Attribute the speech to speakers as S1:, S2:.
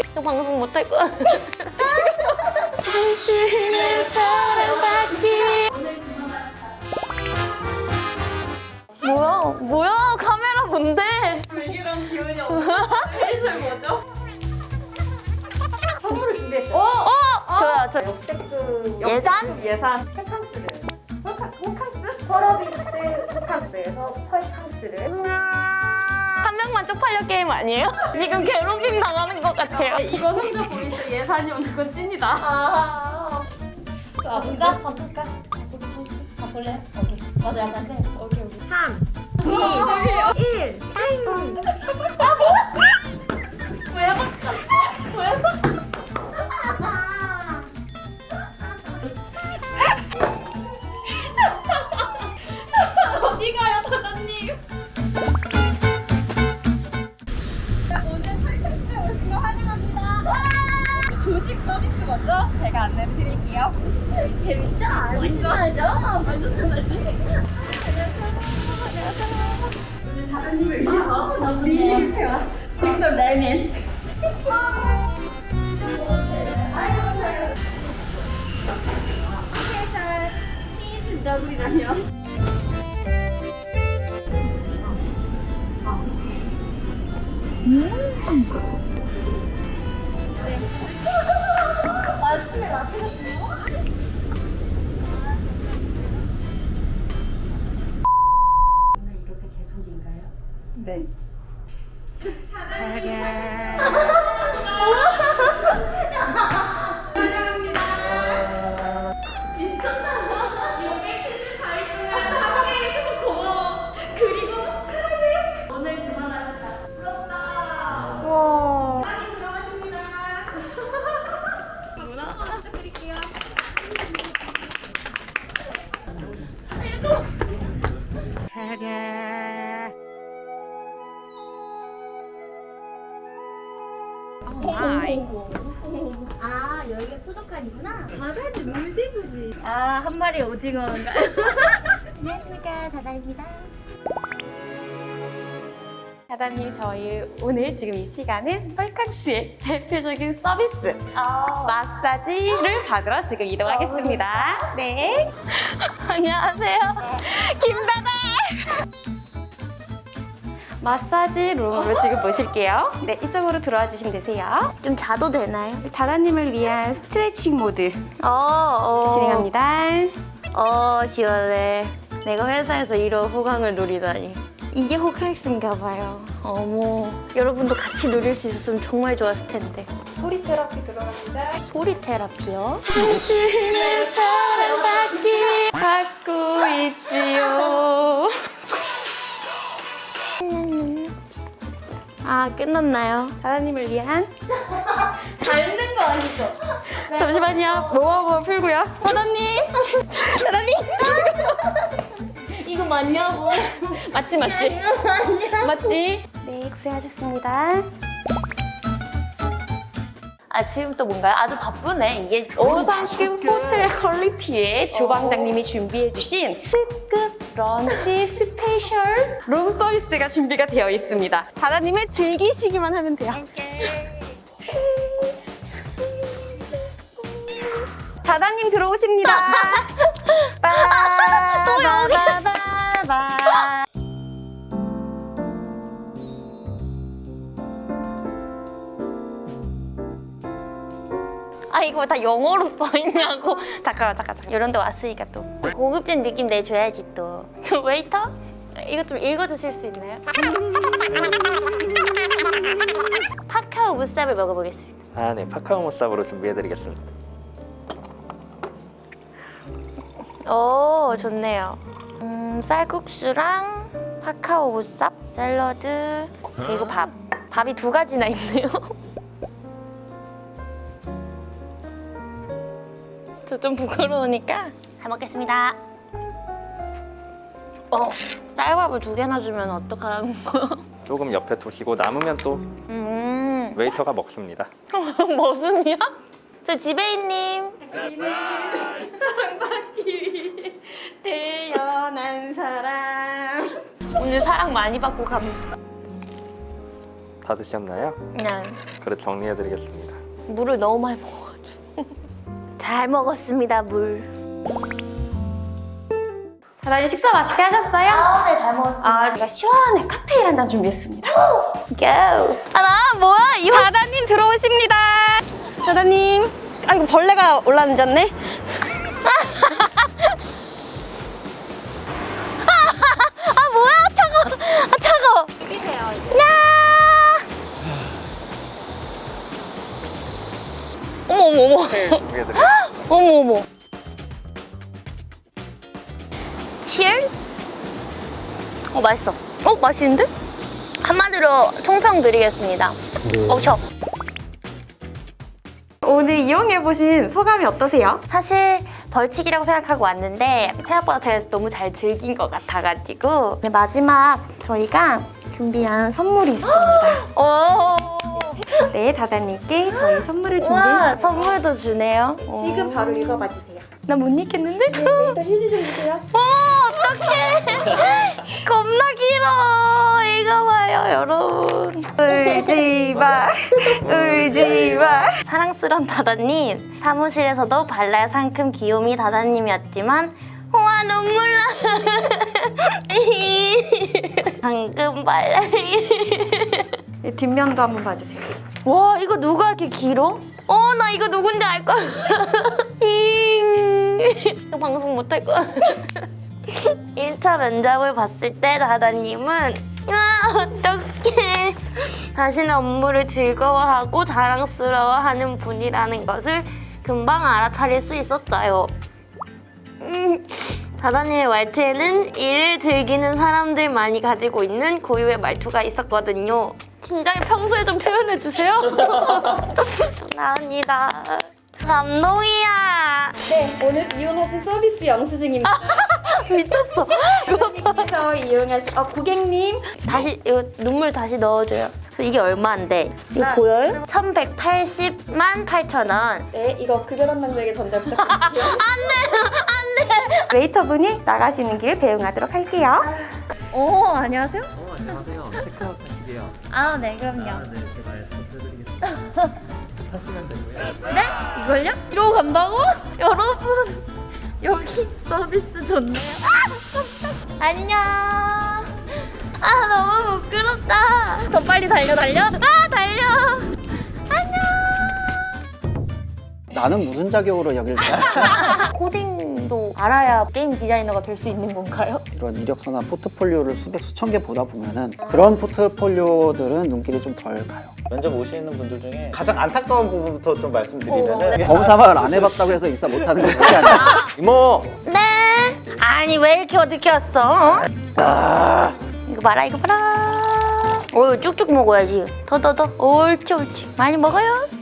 S1: 저 방송 못할 거야. 당신의 사랑받기. 뭐야? 카메라 뭔데?
S2: 불길한 기운이 없는 회의실 뭐죠? 선물을 준비했어요.
S1: 저요.
S2: 역대급
S1: 예산?
S2: 예산 펄캉스를 펄캉스? 펄어비스 펄캉스에서 펄캉스를
S1: 한 명만 쪽팔려 게임 아니에요? 지금 괴롭힘 당하는 것 같아요.
S2: 이거 성적 보일 때 예산이 오는 건 찐이다.
S3: 바꿀까? 바꿀래요? 오케이. 맞아, 약간 세.
S2: 오케이. 3, 2, 1. 어디 가요, 다다님? 오늘 설득제 오신 거 환영합니다. 조식 서비스 먼저 제가 안내를 드릴게요. 재밌죠? 맛있어야죠? 맛있어야지. 오늘 다다님을 위해서 미니 뷔페와 직접 라면. 스페셜 치즈 너구리라면. 아침에 라떼셨어요?
S3: 오늘 이렇게 계속인가요?
S2: 네.
S3: 오늘 그만하셨다. 부럽다.
S1: 와.
S3: 빨리 들어가십니다. 부탁드릴게요. 아, 여기가 수족관이구나. 바다지, 물지부지. 아, 한 마리 오징어인가? 안녕하십니까, 바다입니다.
S1: 다다님, 저희 오늘 지금 이 시간은 펄캉스의 대표적인 서비스 마사지를 받으러 지금 이동하겠습니다. 네. 안녕하세요. 김다다. 마사지 룸으로 지금 모실게요. 네, 이쪽으로 들어와 주시면 되세요. 좀 자도 되나요? 다다님을 위한 스트레칭 모드 진행합니다. 시원해. 내가 회사에서 이런 호강을 누리다니. 이게 호캉스인가 봐요. 어머, 여러분도 같이 누릴 수 있었으면 정말 좋았을 텐데.
S2: 소리 테라피 들어갑니다.
S1: 소리 테라피요? 당신의 사랑받기 받고 있지요. 아, 끝났나요? 다다님을 위한?
S3: 닮는 거 아니죠?
S1: 잠시만요. 모아 한번 풀고요. 다다님! 다다님!
S3: 이거 맞냐고?
S1: 맞지?
S3: 이거 맞냐?
S1: 맞지? 네, 고생하셨습니다. 아, 지금 또 뭔가요? 아주 바쁘네. 이게 5성급 호텔 퀄리티의 주방장님이 준비해주신 특급 런치 스페셜 룸 서비스가 준비가 되어 있습니다. 다다님은 즐기시기만 하면 돼요. 다다님 들어오십니다. 또 여기. 아, 이거 다 영어로 써있냐고. 잠깐만. 이런 데 왔으니까 또 고급진 느낌 내줘야지 또. 저 웨이터? 이거 좀 읽어주실 수 있나요? 파카오 무쌈을 먹어보겠습니다.
S4: 아, 네. 파카오 무쌈으로 준비해드리겠습니다.
S1: 오, 좋네요. 쌀국수랑 파카오 무쌈, 샐러드, 그리고 밥. 밥이 2가지나 있네요. 저 좀 부끄러우니까 잘 먹겠습니다. 쌀밥을 2개나 주면 어떡하라는 거야?
S4: 조금 옆에 두시고 남으면 또 웨이터가 먹습니다.
S1: 머슴이야? 저 지배인님.
S2: 사랑받기 태어난 사람.
S1: 오늘 사랑 많이 받고 갑니다.
S4: 다 드셨나요?
S1: 네.
S4: 그릇 정리해드리겠습니다.
S1: 물을 너무 많이 먹어가지고. 잘 먹었습니다, 물. 다다님 식사 맛있게 하셨어요?
S3: 네, 잘 먹었습니다.
S1: 아, 제가 시원한 칵테일 한 잔 준비했습니다. 고! 아, 나 뭐야? 다다님 들어오십니다. 다다님. 아, 이거 벌레가 올라앉았네. 아, 뭐야? 차가워. 아, 차가워.
S2: 이기세요.
S1: 야! 어머, 어머, 어머.
S4: 준비해드리겠습니다.
S1: 어머, 어머. Cheers. 맛있어. 맛있는데? 한마디로 총평 드리겠습니다. 저. 오늘 이용해보신 소감이 어떠세요? 사실 벌칙이라고 생각하고 왔는데 생각보다 제가 너무 잘 즐긴 것 같아가지고 네, 마지막 저희가 준비한 선물이 있습니다. 네, 다다님께 저희 선물을 준비했습니다. 선물도 주네요.
S2: 지금 바로 읽어봐 주세요.
S1: 나 못 읽겠는데?
S2: 일단 휴지 좀 주세요.
S1: 어떡해. 겁나 길어. 읽어봐요, 여러분. 울지 마. 울지 마. 사랑스런 다다님. 사무실에서도 발랄 상큼 귀요미 다다님이었지만 와, 눈물 나. 방금 발랄. 뒷면도 한번 봐주세요. 와, 이거 누가 이렇게 길어? 나 이거 누군지 알 거야. 이거 방송 못할 거야. 1차 면접을 봤을 때 다다님은 어떡해. 자신의 업무를 즐거워하고 자랑스러워하는 분이라는 것을 금방 알아차릴 수 있었어요. 다다님의 말투에는 일을 즐기는 사람들만이 가지고 있는 고유의 말투가 있었거든요. 진작에 평소에 좀 표현해주세요. 감사합니다. 감동이야.
S2: 네, 오늘 이용하신 서비스 영수증입니다.
S1: 미쳤어.
S2: 여기서 이용하신 고객님.
S1: 다시 이거 눈물 다시 넣어줘요. 그래서 이게 얼마인데? 이거 보여요? 1,180만 8,000원.
S2: 네, 이거 급여 담당자에게 전달 부탁드릴게요.
S1: 안돼. 웨이터분이 나가시는 길 배웅하도록 할게요.
S2: 안녕하세요.
S5: 안녕하세요. 체크아웃 하시게요.
S2: 아, 네, 그럼요.
S5: 네, 제가 해드리겠습니다. 하시면 되고요.
S2: 네? 이걸요? 이러고 간다고? 여러분, 여기 서비스 좋네요. 안녕. 너무 부끄럽다. 더 빨리 달려. 달려.
S6: 나는 무슨 자격으로 여길 다
S1: 코딩도 알아야 게임 디자이너가 될 수 있는 건가요?
S6: 이런 이력서나 포트폴리오를 수백 수천 개 보다 보면은 그런 포트폴리오들은 눈길이 좀 덜 가요.
S7: 면접 오시는 분들 중에 가장 안타까운 부분부터 좀 말씀드리면은
S6: 검사만 안 해봤다고 해서 입사 못하는 건 그게 아니야.
S7: 이모
S1: 네. 아니 왜 이렇게 어떻게 왔어? 이거 봐라, 이거 봐라. 쭉쭉 먹어야지. 더. 옳지. 많이 먹어요.